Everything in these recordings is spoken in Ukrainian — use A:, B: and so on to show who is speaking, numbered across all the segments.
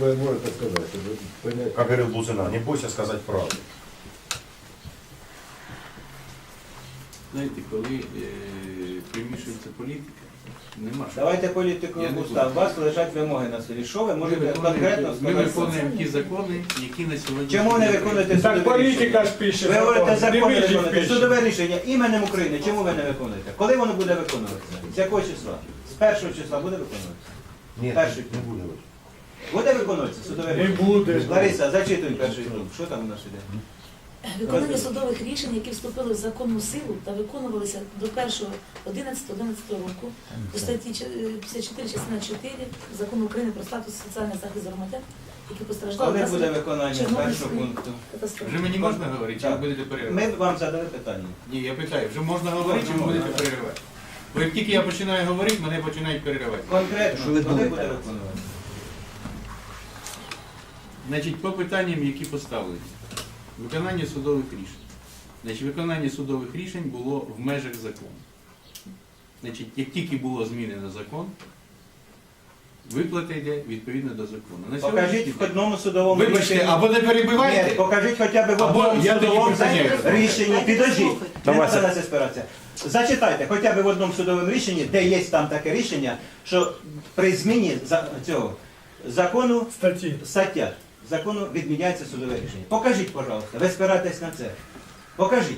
A: ви можете сказати?
B: Как говорил Бузина, не бойся сказать правду.
C: Знаєте, коли примішується політика, нема що.
D: Давайте політику
C: Я не
D: устав. У
C: буду.
D: вас лежать вимоги на селі. Що ви
C: Ми
D: можете конкретно
C: виконуємо
D: сказати?
C: ті закони, які на сьогодні...
D: Чому не виконуєте
E: Так
D: судове
E: політика
D: рішення?
E: ж пише.
D: Ви говорите, закони
E: Дивіться,
D: виконуєте.
E: пише.
D: Судове рішення іменем України. Чому ви не виконуєте? Коли воно буде виконуватися? З якого числа? З першого числа буде виконуватися?
B: Нет,
D: Перший
B: не буду.
D: Буде виконуватися судове
E: Не
D: рішення?
E: буде.
D: Лариса, зачитуй перший пункт. Що там у нас іде?
F: Виконання судових рішень, які вступили в законну силу та виконувалися до 1.11.11 року у статті 54 частина 4 Закону України про статус і соціальний захист громадян, які постраждали
D: Коли буде
F: внаслідок
D: виконання першого
F: Чорнобильської
D: пункту?
F: катастрофи.
C: Вже мені можна говорити, чи ви
D: Так.
C: будете переривати?
D: Ми вам задали питання.
C: Ні, я питаю, вже можна говорити, чи ви будете переривати? Бо як тільки я починаю говорити, мене починають переривати.
D: Конкретно, коли буде виконувати?
C: Значить, по питанням, які поставлені. Виконання судових рішень. Значить, виконання судових рішень було в межах закону. Значить, як тільки було змінено закон, виплата йде відповідно до закону. На
D: Покажіть
C: сьогоднішній
D: в
C: день-
D: одному судовому
C: Вибачте,
D: рішенні.
C: або не
D: Ні,
C: перебивайте,
D: покажіть хоча б в
C: Або
D: одному
C: я тоді
D: судовому
C: припиняю.
D: рішенні. Підождіть, не
B: Давай,
D: треба на це спиратися. Зачитайте хоча б в одному судовому рішенні, де є там таке рішення, що при зміні цього закону, стаття закону відміняється судове рішення. Покажіть, пожалуйста, ви спираєтесь на це. Покажіть.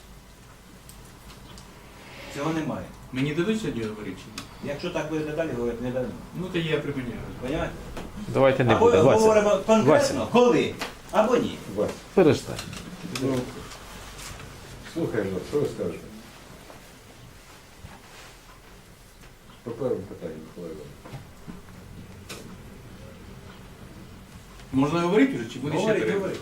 D: Цього немає.
C: мені дадуть сьогодні говорити чи ні?
D: Якщо так будете далі говорити, не дадуть.
C: Ну, то я припиняю.
D: Понимаєте?
G: Давайте не
D: Або
G: буде. Вася,
D: говоримо конкретно, коли, або ні.
A: Вась,
G: перестань.
A: ну, слухаємо вас, що ви скажете? По першому питанню, Микола Іванович.
C: Можна говорити вже, чи буде ще
D: Говоріть,
C: перерва?
D: говоріть.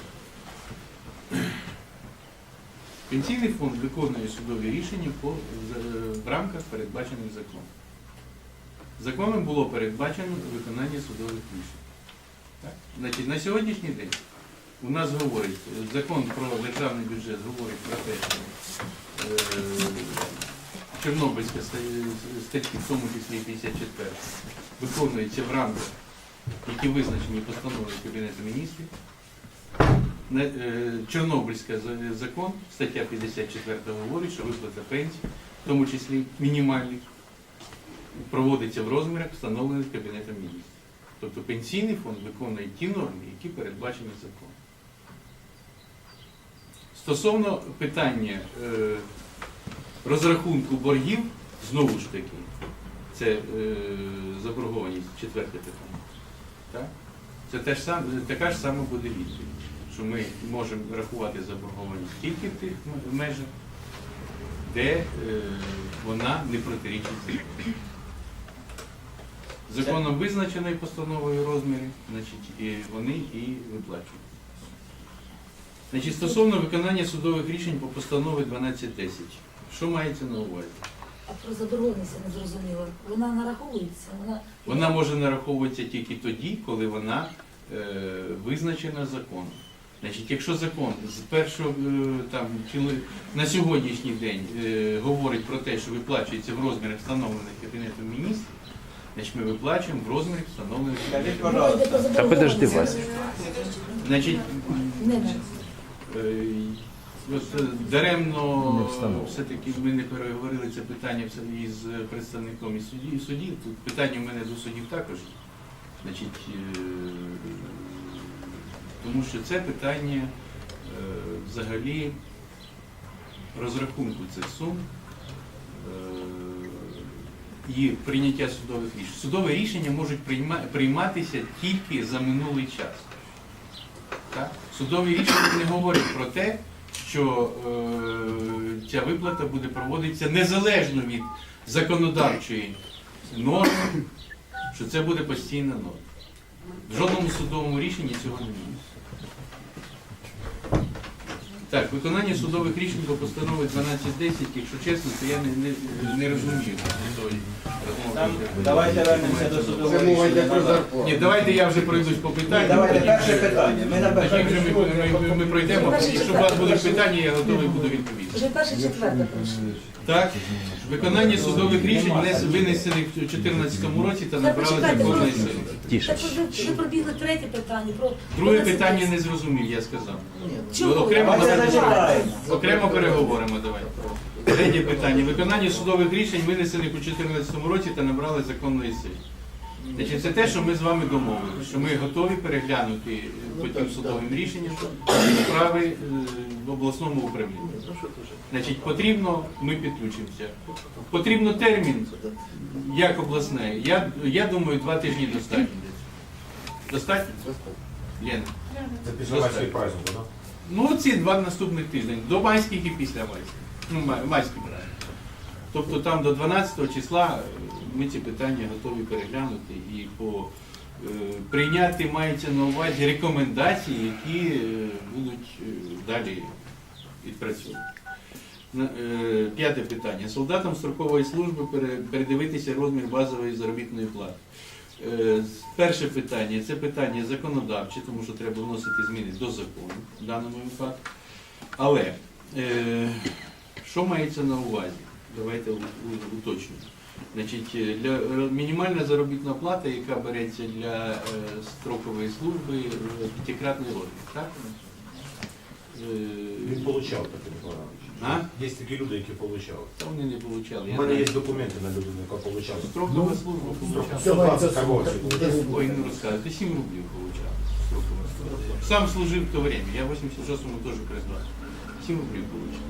C: Пенсійний фонд виконує судові рішення в рамках передбачених законом. Законом було передбачено виконання судових рішень. Так? Значить, на сьогоднішній день у нас говорить, закон про державний бюджет говорить про те, що Чорнобильська статті, в тому числі 54, виконується в рамках, які визначені постановою Кабінету міністрів. Чорнобильський закон, стаття 54 говорить, що виплата пенсій, в тому числі мінімальних, проводиться в розмірах, встановлених Кабінетом міністрів. Тобто пенсійний фонд виконує ті норми, які передбачені законом. Стосовно питання розрахунку боргів, знову ж таки, це заборгованість, четверте питання. Так? Це така ж сама буде відповідь, що ми можемо рахувати заборгованість тільки в тих межах, де вона не протирічить закону. Законом визначеної постановою розміри, значить, і вони і виплачують. Значить, стосовно виконання судових рішень по постанові 1210, що мається на увазі?
F: А про заборгованість я не зрозуміла. Вона нараховується?
C: Вона може нараховуватися тільки тоді, коли вона визначена законом. Значить, якщо закон з першого на сьогоднішній день говорить про те, що виплачується в розмірах, встановлених Кабінетом міністрів, значить ми виплачуємо в розмірах, встановлених
D: Скажіть,
C: Кабінетом міністрів.
D: пожалуйста.
G: Та подожди, Вася.
C: Значить,
F: Не.
C: даремно все-таки ми не переговорили це питання із представником із судів. Тут питання в мене до суддів також. Значить, тому що це питання взагалі розрахунку цих сум і прийняття судових рішень. Судові рішення можуть прийматися тільки за минулий час. Так? Судові рішення не говорять про те, що ця виплата буде проводитися незалежно від законодавчої норми, що це буде постійна норма. В жодному судовому рішенні цього немає. Так, виконання судових рішень по постанові 1210, якщо чесно, то я не розумію
D: Там, давайте вернемося до судового
A: Це мова йде
D: рішення.
A: про
D: назад.
A: зарплату.
C: Ні, давайте я вже пройдусь по
D: Ні,
C: питанню.
D: давайте
C: тоді
D: перше
C: вже-
D: питання. Ми на
C: Тоді
D: перше.
C: вже ми пройдемо. Якщо у вас будуть питання, я готовий буду відповісти.
F: Вже перше, четверте прошу.
C: Так, виконання судових рішень винесених у 2014 році та набрали
F: почекайте,
C: законної
F: просто.
C: сили.
F: Так ви пробігли третє питання.
C: Друге питання не зрозумів, я сказав.
F: Чому?
C: Окремо,
D: Давайте зачитаємо.
C: окремо переговоримо, давай. Третє питання. Виконання судових рішень винесених у 2014 році та набрали законної сили. Значить, це те, що ми з вами домовилися, що ми готові переглянути по тим судовим рішенням справи в обласному управлінні. Значить, потрібно, ми підключимося. Потрібно термін, як обласне. Я думаю, 2 тижні достатньо. Достатньо? Лена?
B: Це після майських праздників, так?
C: Ну, ці 2 наступних тижні, до майських і після майських. Ну, майських, правильно. Тобто там до 12 числа ми ці питання готові переглянути і прийняти мається на увазі рекомендації, які будуть далі відпрацьовані. П'яте питання. Солдатам строкової служби передивитися розмір базової заробітної плати. Перше питання – це питання законодавче, тому що треба вносити зміни до закону в даному випадку. Але що мається на увазі? Давайте уточнимо. Значить, мінімальна заробітна плата, яка береться для строкової служби, 5-кратний розмір, так?
B: Він получав таке, Микола Іванович.
C: А?
B: Є такі люди, які получали.
C: Та вони не отримали.
B: У мене є документи на людину, яка получала.
C: Строкова служба получала.
B: 120 карбовців.
C: Ой, не розказуйте, 7 рублів получав. Строкова служба. Сам служив в то время, я в 86-му теж призвав. 7 рублів получав.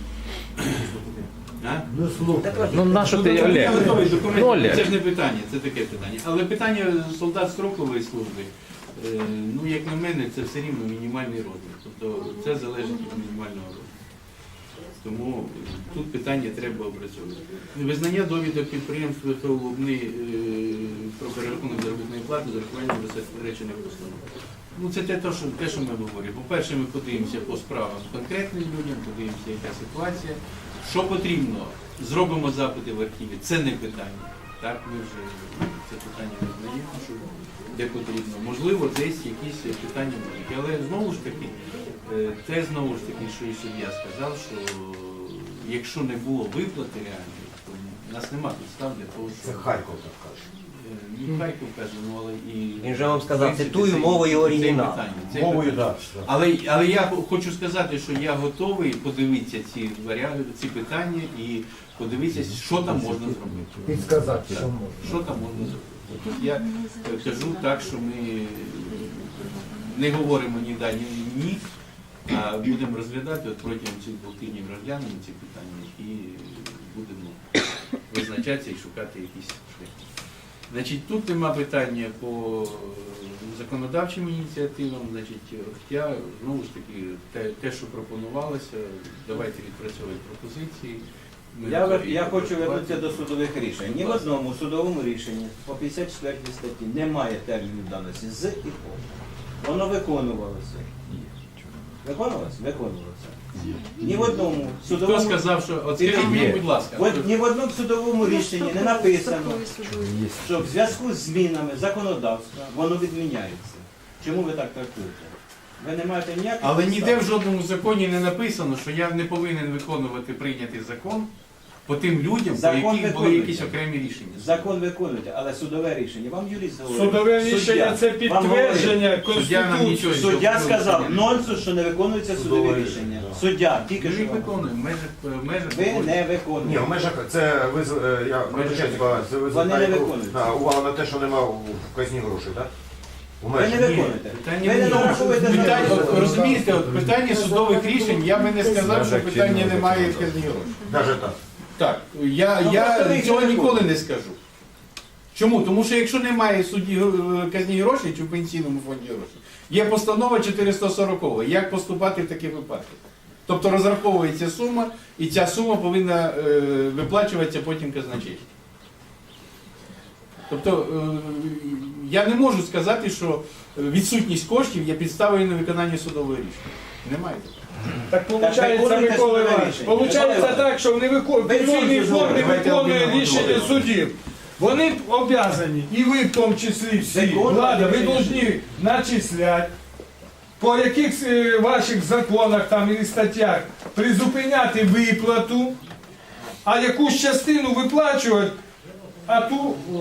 C: А?
E: Ну, на що ти,
C: Я
E: Олег?
C: готовий документи,
E: Ну, Олег.
C: це ж не питання, це таке питання. Але питання солдат строкової служби, ну, як на мене, це все рівно мінімальний розмір. Тобто це залежить від мінімального розміру. Тому тут питання треба опрацьовувати. Визнання довідок підприємств ВПО Лубни про перерахунок заробітної плати з урахуванням речених постанов. Ну, це те, що ми говоримо. По-перше, ми подивимося по справам конкретним людям, подивимося, яка ситуація. Що потрібно, зробимо запити в архіві. Це не питання. Так, ми вже це питання визнаємо, що де потрібно. Можливо, десь якісь питання будуть. Але знову ж таки, що і суддя сказав, що якщо не було виплати реальної, то в нас нема підстав для того,
B: Це
C: що...
B: Харків так каже.
C: Ну, Харків каже, ну але і...
G: Він же вам сказав,
C: в принципі,
G: цитую
C: це-
G: мовою
C: це
G: оригіналу.
C: питання, це
B: Мовою,
C: питання.
B: так.
C: Але я хочу сказати, що я готовий подивитися ці варіанти, ці питання і подивитися, що там можна зробити.
A: Підсказати, що
C: Що там можна зробити. Тут я кажу так, що ми не говоримо ні да, ні ні, а будемо розглядати от протягом цих 2 тижнів розглянемо ці питання і будемо визначатися і шукати якісь шляхи. Значить, тут нема питання по законодавчим ініціативам, значить, хоча, знову ж таки, те, що пропонувалося, давайте відпрацьовувати пропозиції. Ми готові
D: Я хочу
C: працювати.
D: вернутися до судових рішень. Ні в одному судовому рішенні по 54 статті немає терміну давності з і по. Воно виконувалося. Виконувалося? Виконувалося. Ні в одному
C: Хто
D: судовому
C: сказав, що от скажіть мені, будь ласка,
D: ні в одному судовому рішенні не написано, що в зв'язку з змінами законодавства воно відміняється. Чому ви так трактуєте? Ви не маєте ніяких
C: але
D: підстав.
C: ніде в жодному законі не написано, що я не повинен виконувати прийнятий закон по тим людям,
D: Закон
C: по яких були
D: виконується.
C: якісь окремі рішення.
D: Закон виконуєте, але судове рішення. Вам юрист говорить.
H: Судове рішення це
D: вам говорить.
H: підтвердження
C: Суддя нам
H: Конституції.
C: нічого
D: Суддя
C: цього
D: сказав,
C: не
D: нонсенс, що не виконуються судові рішення. Суддя, тільки
C: Ми
D: що.
C: їх
D: вам
C: виконуємо, в межах
D: Ви
C: закону.
D: не
B: Ні,
D: виконуєте.
B: в межах це я вибачаюсь, це ви
D: Вони не
B: звертаєте
D: виконують.
B: увагу на те, що нема в казні грошей, так? У
D: Ви не
B: межах.
D: виконуєте.
C: Питання
D: Ви не
C: в тому,
D: нараховуєте
C: питання,
D: за
C: от, розумієте, от питання судових рішень, я би не сказав, що питання немає в казні грошей.
B: Навіть так.
C: Так,
D: Ну,
C: я
D: просто ви
C: цього
D: їх не
C: ніколи не скажу. Чому? Тому що якщо немає в суді казні грошей чи в пенсійному фонді грошей, є постанова 440, як поступати в таких випадках. Тобто розраховується сума, і ця сума повинна виплачуватися потім казначейству. Тобто я не можу сказати, що відсутність коштів є підставою на виконання судового рішення. Немає такого.
H: Так
D: виконуйте
H: виходить, Микола
D: судове
H: Іванович,
D: рішення.
H: получається
D: Микола
H: так, що
D: Пенсійний
H: пенсійний фонд не
C: Давайте
H: виконує
C: об'єднуємо
H: рішення
B: голови.
H: судів.
G: Вони обязані, і ви в тому числі всі,
D: Закон
G: влада, ви
D: рішення.
G: повинні начисляти, по яких ваших законах там і статтях призупиняти виплату, а якусь частину виплачувати, а ту